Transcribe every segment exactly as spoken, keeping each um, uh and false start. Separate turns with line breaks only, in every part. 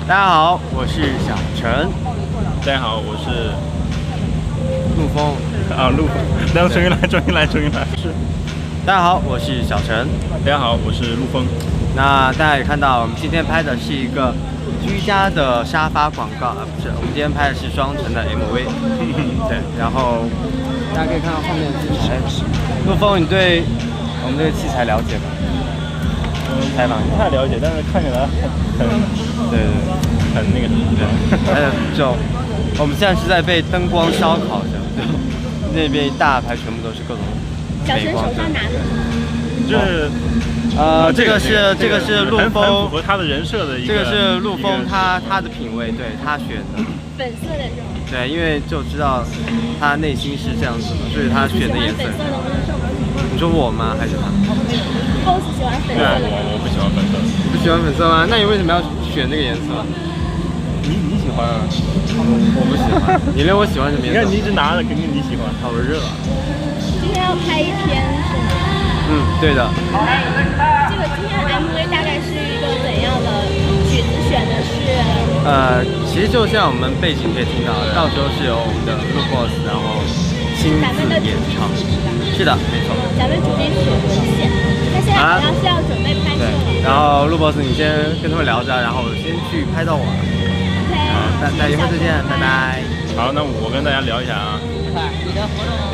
大家好，我是小陈。
大家好，我是
陆峰。
啊，陆峰。然后重新来，重新来，重新来。是。
大家好，我是小陈。
大家好，我是陆峰。
那大家也看到，我们今天拍的是一个居家的沙发广告，啊，不是，我们今天拍的是双层的 M V。对，然后大家可以看到后面的器材。陆峰，你对我们这个器材了解吗？
嗯，采访不太了解，但是看起来很，
对对对，
很那个什么。对。
还有就我们现在是在被灯光烧烤着，那边一大排全部都是各种美光灯。
就是。
呃，这个是这个是陆峰，
符合他的人设的一个。
这个是陆峰他他的品味，对他选的。
粉色的这种。对，
因为就知道他内心是这样子的，所以他选的颜色。你说我吗？还是他
？Boss 喜欢粉色的。
我不喜欢粉色。
你不喜欢粉色吗？那你为什么要选这个颜色？
你你喜欢啊？
我不喜欢。你连我喜欢什么颜色？
你看你一直拿着，肯定你喜欢。
好热啊！
今天要拍一篇是吗？
嗯，对的。
这个今天的 M V 大概是一个怎样的曲子？选的是？
呃，其实就像我们背景可以听到的，到时候是由我们的陆 boss 然后亲自演唱。是的，没错。
咱们主题曲《线》，他现在好像是要准备拍摄了。
然后陆 boss 你先跟他们聊着，然后我先去拍到我。
OK。
好，那那一会儿再见，拜拜。
好，那我跟大家聊一下啊。
你的活动。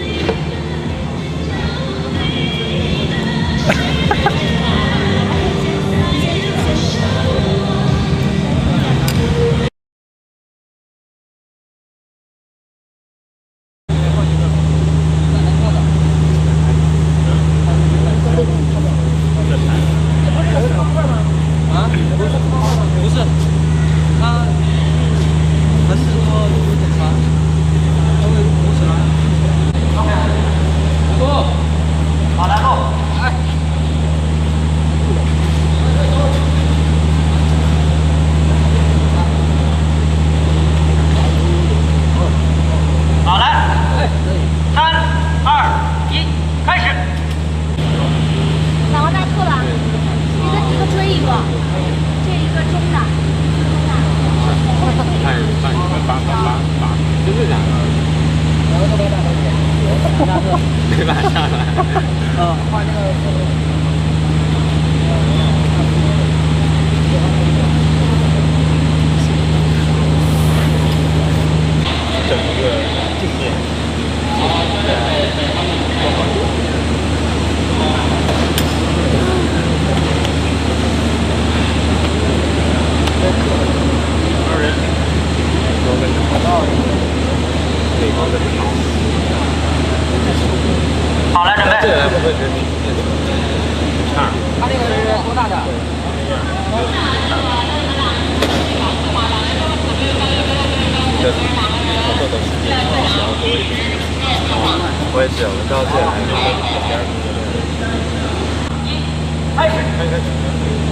没办法下来。嗯，画那个。
整个镜面。二人。都跟着跑道。美光的好。
好了，准备。
这个会不会觉得平面
差？
它这个是多大的？
这操作的时间想要多一点。我也是，我到这来第二个。
开始，
开始，开始。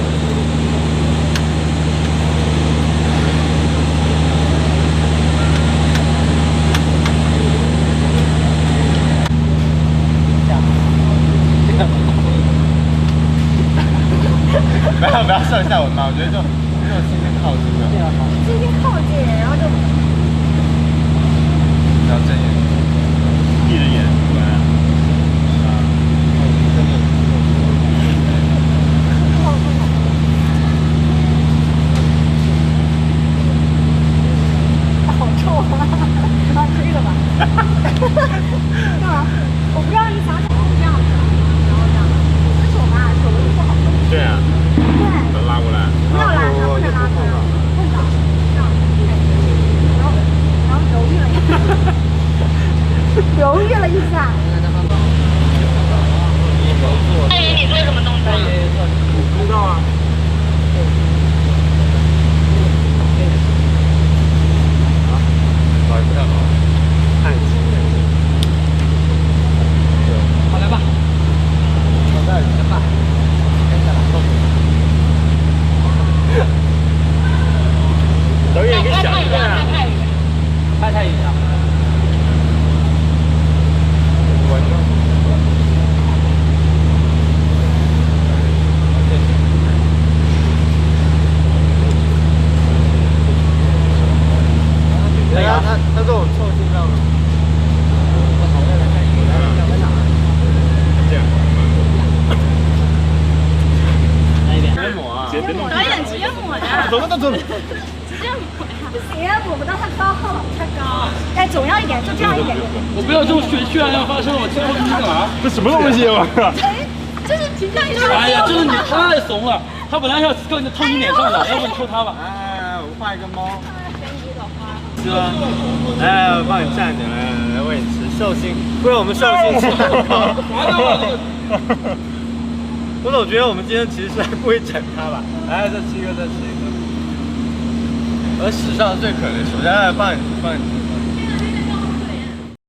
不要不要上下文嘛，我觉得就这种轻轻靠近的，
轻轻靠近，然后就
不要正眼，
闭着眼，对。啊，
真的。
好臭啊！啊，这个吧。干嘛？我不知道你想什么，这样子，然后这样，手吧，手不好。
对啊。
对。
拉过来。
不要拉他。
他他跟我凑近道吗？
这样。
来一遍。
别抹啊！
别别弄。
导演直接抹的，
走了，走了。
直接抹呀！不行，抹不到太高，太高。哎，总要一点，就这样一点点。
我不要这种血血案要发生，我今后你干嘛？
这什么东西啊？
哎，就是评价一下。
哎呀，就是你太怂了，他本来要够你套你脸上的，要不你抽他吧。
哎，我画一个猫。
给你一朵花。
是吗？哎，我帮你站着，来来来，喂你吃寿星，为我们寿星吃蛋糕。我总觉得我们今天其实是在故意整他吧。来，再吃一个，再吃一个。我史上最可怜，首先来帮你帮你。